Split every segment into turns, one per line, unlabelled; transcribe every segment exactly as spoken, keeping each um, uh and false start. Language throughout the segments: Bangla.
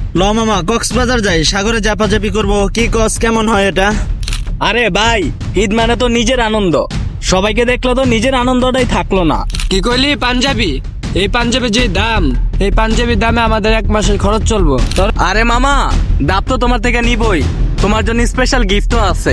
ল মামা কক্সবাজার যাই, সাগরে চাপাচাপি করব, কি কস কেমন হয় এটা?
আরে ভাই, ঈদ মানে তো নিজের আনন্দ। সবাইকে দেখলো তো নিজের আনন্দটাই থাকলো না।
কি কইলি পাঞ্জাবি? এই পাঞ্জাবির যে দাম, এই পাঞ্জাবির দামে আমাদের এক মাসের খরচ চলবো। তোর
আরে মামা, দাপ তো তোমার থেকে নিবই, তোমার জন্য স্পেশাল গিফটও আছে।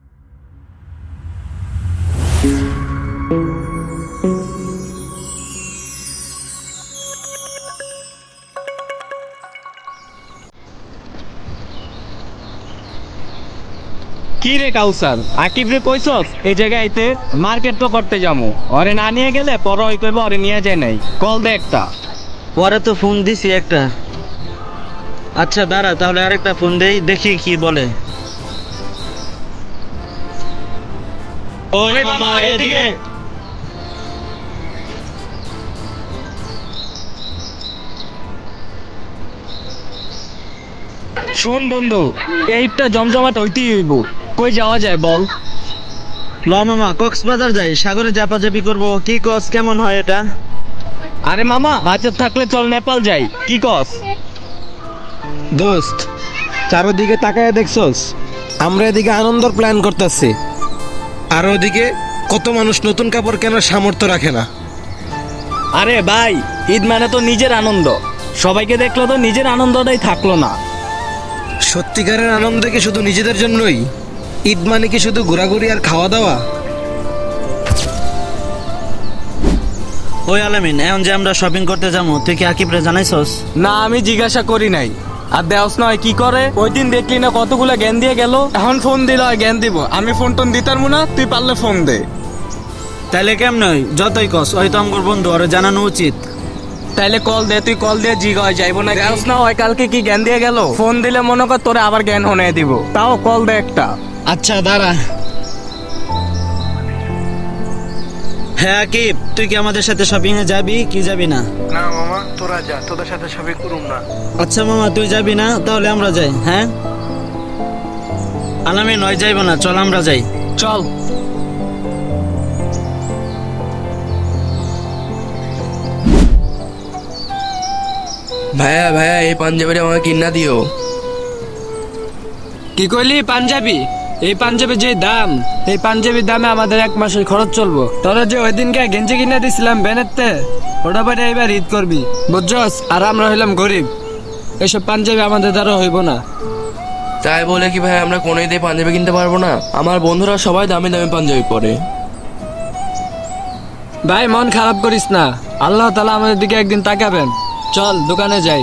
কি রে কাউসার, আকিব রে কইছস এই জায়গায় আইতে? মার্কেট তো করতে যাবো, ওরে না নিয়ে গেলে পরে ওই কইব ওরে নিয়ে যায় নাই। কল দে একটা।
পরে তো ফোন দিছি একটা। আচ্ছা দাঁড়া, তাহলে আরেকটা ফোন দেই, দেখি কি বলে।
ওরে মামা এদিকে। শোন বন্ধু, এইটা জমজমাট হইতেই হইব। কই যাওয়া যায় বল?
ল মামা কক্সবাজার যাই, সাগরে চাপাচাপি করব, কি কস কেমন হয় এটা?
আরে মামা, বাজেট থাকলে চল নেপাল যাই, কি কস?
দোস্ত, চারোদিকে তাকায় দেখছস? আমরা এদিকে আনন্দর প্ল্যান করতেছি, আর ওদিকে কত মানুষ নতুন কাপড় কেনার সামর্থ্য রাখে না।
আরে ভাই, ঈদ মানে তো নিজের আনন্দ। সবাইকে দেখলো তো নিজের আনন্দটাই থাকলো না।
সত্যিকারের আনন্দ কি শুধু নিজেদের জন্যই? ঈদ মানে কি শুধু ঘোরাঘুরি আর খাওয়া দাওয়া?
ওই আলামিন, এখন যে আমরা শপিং করতে যাবো, তুই কি আকিবরে জানাইছস?
না, আমি জিজ্ঞাসা করি নাই। আর দেওস নয় কি করে? ওই দিন দেখলি না কতগুলা জ্ঞান দিয়ে গেল। এখন ফোন দিল জ্ঞান দিব, আমি ফোন টোন দিতাম না। তুই পারলে ফোন দে।
তাইলে কেমন হয়? যতই কস, ওই তো আমার বন্ধু, ওরে জানানো উচিত।
তাইলে কল দে, তুই কল দিয়ে জিগা হয় যাইবো না। দেওস না ওই কালকে কি জ্ঞান দিয়ে গেল। ফোন দিলে মনে কর তোরে আবার জ্ঞান হনে দিব। তাও কল দে একটা।
আচ্ছা দাঁড়া। হ্যাঁ আকিব, তুই কি আমাদের সাথে শপিং এ যাবি কি যাবি না?
না মামা, তোরা যা, তোদের সাথে সবই করুম না।
আচ্ছা মামা, তুই যাবি না, তাহলে আমরা যাই। হ্যাঁ আলামিন, নয় যাইব না, চল আমরা যাই।
চল।
ভাইয়া ভাইয়া এই পাঞ্জাবিটা আমাকে কিনা দিও।
কি কইলি পাঞ্জাবি? এই পাঞ্জাবির যে দাম, এই পাঞ্জাবির দামে আমাদের এক মাসের খরচ চলবো। তোরা যে ওই দিনকে গেঞ্জি কিনে দিছিলাম বেনেতে, ওটা পরে এবার ঈদ করবি, বুঝছস? আর আমরা হইলাম গরিব, এসব পাঞ্জাবি আমাদের দ্বারা হইব না।
তাই বলে কি ভাই আমরা কোনো ঈদে পাঞ্জাবি কিনতে পারবো না? আমার বন্ধুরা সবাই দামি দামি পাঞ্জাবি পরে।
ভাই মন খারাপ করিস না, আল্লাহ তাআলা আমাদের দিকে একদিন তাকাবেন। চল দোকানে যাই।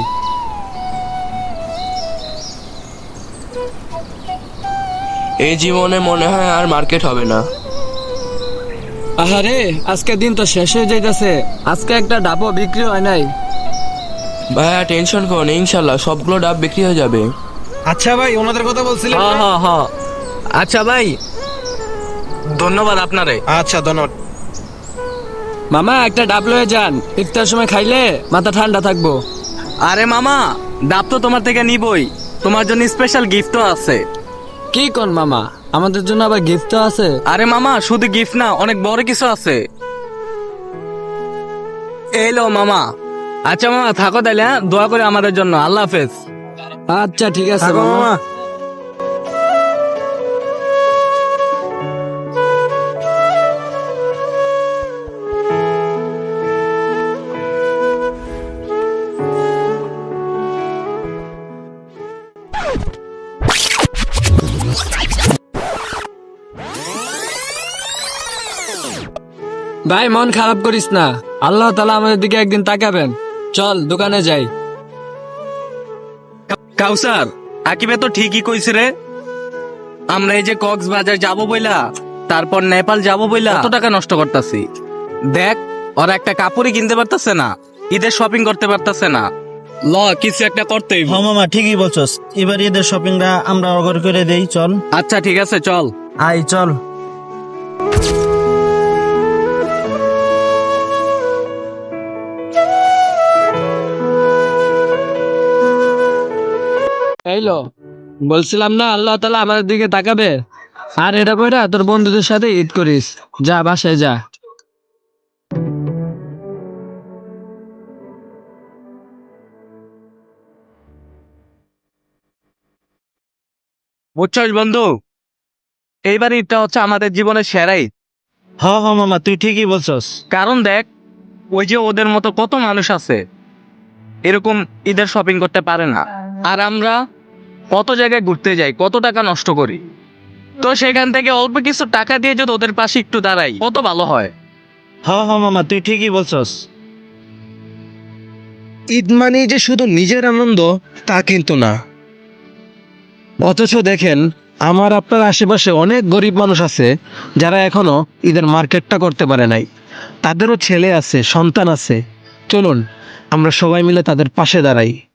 এই জীবনে মনে হয় আর মার্কেট হবে না।
আহারে, আজকে দিন তো শেষ হয়ে যাইতেছে, আজকে একটা ডাবও বিক্রি হয় নাই।
ভাইয়া টেনশন করো না, ইনশাল্লাহ সবগুলো ডাব বিক্রি হয়ে যাবে।
আচ্ছা ভাই, ওনাদের কথা বলছিলেন
হ্যাঁ
না?
হ্যাঁ হ্যাঁ। আচ্ছা ভাই, ধন্যবাদ আপনারে।
আচ্ছা ধন্যবাদ।
মামা একটা ডাব লয়ে যান, ইফতার সময় খাইলে মাথা ঠান্ডা থাকবো।
আরে মামা, ডাব তো তোমার থেকে নিবই, তোমার জন্য স্পেশাল গিফটও আছে।
কি কোন মামা, আমাদের জন্য আবার গিফট আছে?
আরে মামা, শুধু গিফট না, অনেক বড় কিছু আছে। এই লো মামা। আচ্ছা মামা, থাকো তাইলে, হ্যাঁ? দোয়া করে আমাদের জন্য। আল্লাহ হাফেজ।
আচ্ছা ঠিক আছে
থাকো
মামা।
মামা।
ভাই মন খারাপ করিস না, আল্লাহ তাআলা আমাদের দিকে একদিন তাকাবেন। চল দোকানে যাই।
কাউসার, আকিবে তো ঠিকই কইছে রে। আমরা এই যে কক্সবাজার যাবো বইলা, তারপর নেপাল যাবো বইলা কত টাকা নষ্ট করতেছি। দেখ, ওরা একটা কাপড়ই কিনতে পারতেছে না, ঈদের শপিং করতে পারতেছে না। ল, কিছু একটা করতেই।
হ্যাঁ মামা, ঠিকই বলছস, এবার ঈদের শপিংটা আমরা অগর করে দেই, চল।
আচ্ছা ঠিক আছে, চল।
আই চল।
এইলো, বলছিলাম না আল্লাহ তাআলা আমাদের দিকে তাকাবে। আর এটা বইরা তোর বন্ধুদের সাথে ঈদ করিস, যা বাসায় যা।
বুঝছস বন্ধু, এইবার ঈদটা হচ্ছে আমাদের জীবনের সেরা ঈদ।
হ হ মামা, তুই ঠিকই বলছস।
কারণ দেখ, ওই যে ওদের মতো কত মানুষ আছে এরকম ঈদের শপিং করতে পারে না, আর আমরা কত জায়গায় ঘুরতে যাই, কত টাকা নষ্ট করি। তো সেখান থেকে অল্প কিছু টাকা দিয়ে যদি ওদের পাশে একটু দাঁড়াই, কত ভালো হয়।
হ হ মামা, তুই ঠিকই বলছস।
ঈদ মানে যে শুধু নিজের আনন্দ তা কিন্তু না। অথচ দেখেন, আমার আপনার আশেপাশে অনেক গরিব মানুষ আছে যারা এখনো ঈদের মার্কেটটা করতে পারে নাই। তাদেরও ছেলে আছে, সন্তান আছে। চলুন আমরা সবাই মিলে তাদের পাশে দাঁড়াই।